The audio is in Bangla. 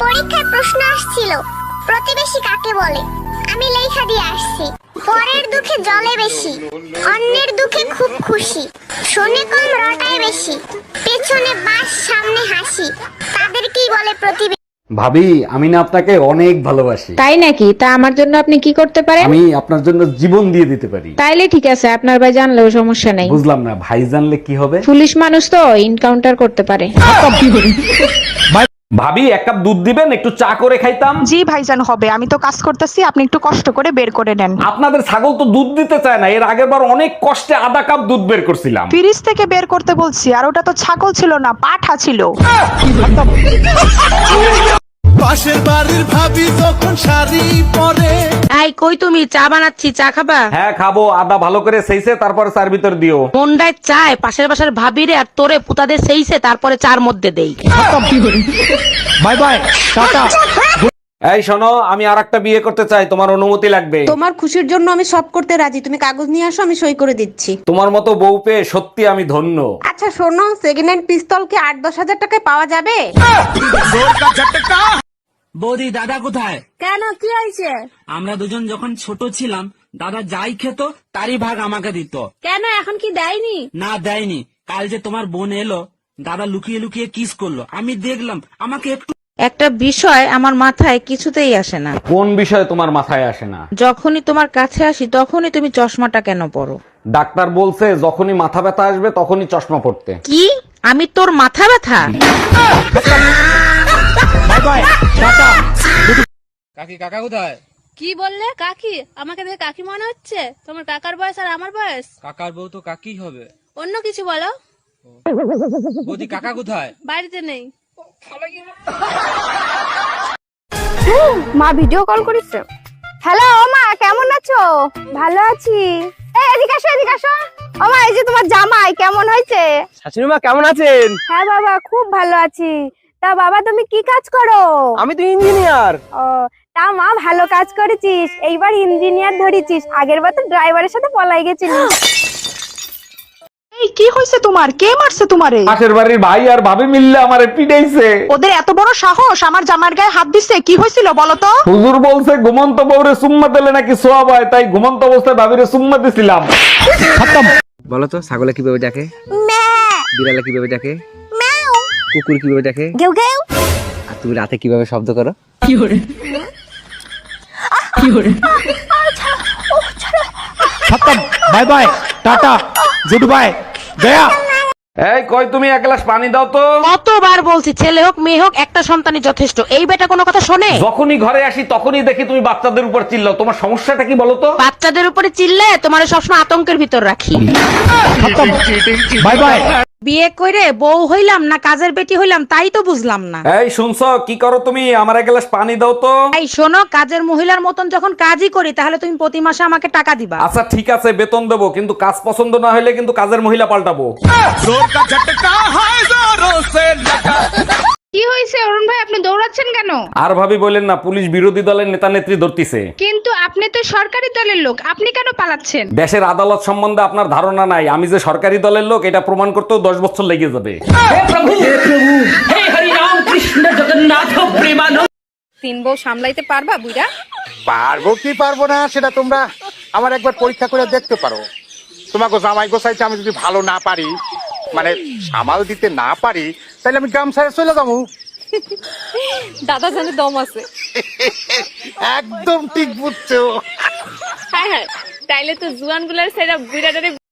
পরীক্ষায় প্রশ্ন আসছিল প্রতিবেশী কাকে বলে। আমি লেখা দিয়ে আসছি, পরের দুঃখে জলে বেশি, অন্যের দুঃখে খুব খুশি, শোনে কম রটায় বেশি, পেছনে বাস সামনে হাসি, তাদেরকেই বলে প্রতিবেশী। ভাবি, আমি না আপনাকে অনেক ভালোবাসি। তাই নাকি? তা আমার জন্য আপনি কি করতে পারেন? আমি আপনার জন্য জীবন দিয়ে দিতে পারি। তাইলে ঠিক আছে, আপনার ভাই জানলেও সমস্যা নাই। বুঝলাম না, ভাই জানলে কি হবে? পুলিশ মানুষ তো এনকাউন্টার করতে পারে। ভাবি, এক কাপ দুধ দিবেন, একটু চা করে খাইতাম। জি ভাইজান, হবে। আমি তো কাজ করতেছি, আপনি একটু কষ্ট করে বের করে নেন। আপনাদের ছাগল তো দুধ দিতে চায় না। এর আগের বার অনেক কষ্টে আধা কাপ দুধ বের করছিলাম। ফ্রিজ থেকে বের করতে বলছি, আর ওটা তো ছাগল ছিল না, পাঠা ছিল। পাশের বাড়ির ভাবি যখন শাড়ি পরে। এই কই তুমি? চা বানাচ্ছি, চা খাবা? হ্যাঁ খাবো। আদা ভালো করে সেইছে, তারপরে চার ভিতর দিও। মন্ডায় চায় পাশের বাসার ভাবিরে আর তোরে পুতাদের সেইছে, তারপরে চার মধ্যে দেই। Bye bye, tata. এই শোনো, আমি আরেকটা বিয়ে করতে চাই, তোমার অনুমতি লাগবে। তোমার খুশির জন্য আমি সব করতে রাজি, তুমি কাগজ নিয়ে আসো, আমি সই করে দিচ্ছি। তোমার মতো বউ পেয়ে সত্যি আমি ধন্য। আচ্ছা শোনো, সেকেন্ড হ্যান্ড পিস্তল কি 8-10 হাজার টাকায় পাওয়া যাবে? বৌদি, দাদা কোথায়? কেন, কি হয়েছে? আমরা দুজন যখন ছোট ছিলাম, দাদা যাই খেত তারই ভাগ আমাকে দিত। কেন, এখন কি দেয়নি? না, দেয়নি। কাল যে তোমার বোন এলো, দাদা লুকিয়ে লুকিয়ে কিস করলো, আমি দেখলাম। আমাকে একটু একটা বিষয় আমার মাথায় কিছুতেই আসে না। কোন বিষয় তোমার মাথায় আসে না? যখনই তোমার কাছে আসি তখনই তুমি চশমাটা কেন পরো? ডাক্তার বলছে যখনই মাথা ব্যথা আসবে তখনই চশমা পড়তে। কি? আমি তোর মাথা ব্যথা? কাকি, কাকা কোথায়? কি বললে? কাকি? আমাকে দেখে কাকি মনে হচ্ছে? তোমার কাকার বয়স আর আমার বয়স? কাকার বউ তো কাকি হবে। অন্য কিছু বলো। বৌদি, কাকা কোথায়? বাড়িতে নেই। মা ভিডিও কল করেছে। হ্যালো মা, কেমন আছো? ভালো আছি। এই এদিকে আসো, এদিকে আসো। ও মা, এই যে তোমার জামাই কেমন হয়েছে? শাশুড়ি মা কেমন আছেন? হ্যাঁ বাবা, খুব ভালো আছি। তা বাবা, তুমি কি কাজ করো? আমি তো ইঞ্জিনিয়ার। ও, তা মা ভালো কাজ করেছিস, এইবার ইঞ্জিনিয়ার ধরেছিস, আগের বার তো ড্রাইভারের সাথে পলাই গেছিলিস। এই কি হয়েছে তোমার? কে মারছে তোমারে? পাশের বাড়ির ভাই আর ভাবি মিললে আমারে পিটাইছে। ওদের এত বড় সাহস আমার জামার গায়ে হাত দিচ্ছে? কি হয়েছিল বলো তো? হুজুর বলছে ঘুমন্ত বউরে সুম্মা দিলে নাকি সোয়াব হয়, তাই ঘুমন্ত অবস্থায় ভাবিরে সুম্মা দিছিলাম। বলো তো, ছাগলে কিভাবে ডাকে? বিড়ালে কিভাবে ডাকে? কুকুর কিভাবে ডাকে? গেউ গেউ। আর তুমি রাতে কিভাবে শব্দ করো? Bye bye, tata, good bye, গয়া। এই কই, তুমি এক গ্লাস পানি দাও তো। কতবার বলছি, ছেলে হোক মেয়ে হোক একটা সন্তানই যথেষ্ট। এই বেটা কোনো কথা শোনে? যখনই ঘরে আসি তখনই দেখি তুমি বাচ্চাদের উপর চিল্লাও। তোমার সমস্যাটা কি বলো তো? বাচ্চাদের উপরে চিল্লে তোমার সবসময় আতঙ্কের ভিতর রাখি। Bye bye. বিয়ে করে বউ হইলাম না কাজের বেটি হইলাম তাই তো বুঝলাম না। এই শুনছো, কি করো তুমি? আমার এক গ্লাস পানি দাও তো। এই শোনো, কাজের মহিলার মতন যখন কাজই করি তাহলে তুমি প্রতি মাসে আমাকে টাকা দিবা। আচ্ছা ঠিক আছে, বেতন দেবো, কিন্তু কাজ পছন্দ না হলে কিন্তু কাজের মহিলা পাল্টাবো। কি হয়েছে অরুণ ভাই, আপনি দৌড়াচ্ছেন কেন? আর ভাবি বলেন না, পুলিশ বিরোধী দলের নেতা নেত্রী ধরতিছে। কিন্তু আপনি তো সরকারি দলের লোক, আপনি কেন পালাচ্ছেন? দেশের আদালত সম্বন্ধে আপনার ধারণা নাই। আমি যে সরকারি দলের লোক এটা প্রমাণ করতেও 10 বছর লেগে যাবে। 3 বউ সামলাইতে পারবা বুইড়া? পারবো কি পারবো না সেটা তোমরা আমার একবার পরীক্ষা করে দেখতে পারো। তোমাকে জামাই গোসাইতে আমি যদি ভালো না পারি, মানে সামাল দিতে না পারি, তাহলে আমি গ্রাম ছেড়ে চলে যাবো। দাদা জানে দম আছে। একদম ঠিক বুঝছো। হ্যাঁ হ্যাঁ, তাইলে তো জুয়ান গুলার সেরা বুইড়াটারে